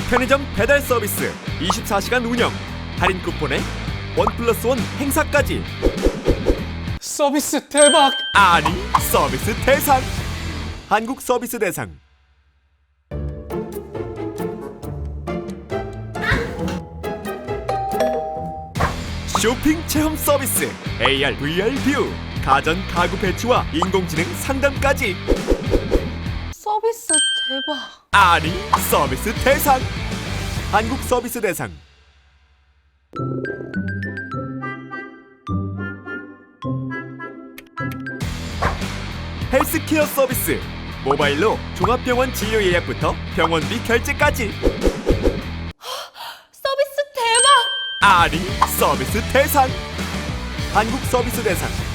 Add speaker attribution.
Speaker 1: 편의점 배달 서비스 24시간 운영, 할인 쿠폰에 1+1 행사까지.
Speaker 2: 서비스 대박!
Speaker 1: 아니, 서비스 대상. 한국 서비스 대상. 쇼핑 체험 서비스 AR, VR 뷰, 가전 가구 배치와 인공지능 상담까지.
Speaker 2: 서비스 대박!
Speaker 1: 아니, 서비스 대상. 한국 서비스 대상. 헬스케어 서비스, 모바일로 종합병원 진료 예약부터 병원비 결제까지.
Speaker 2: 서비스 대박!
Speaker 1: 아니, 서비스 대상. 한국 서비스 대상.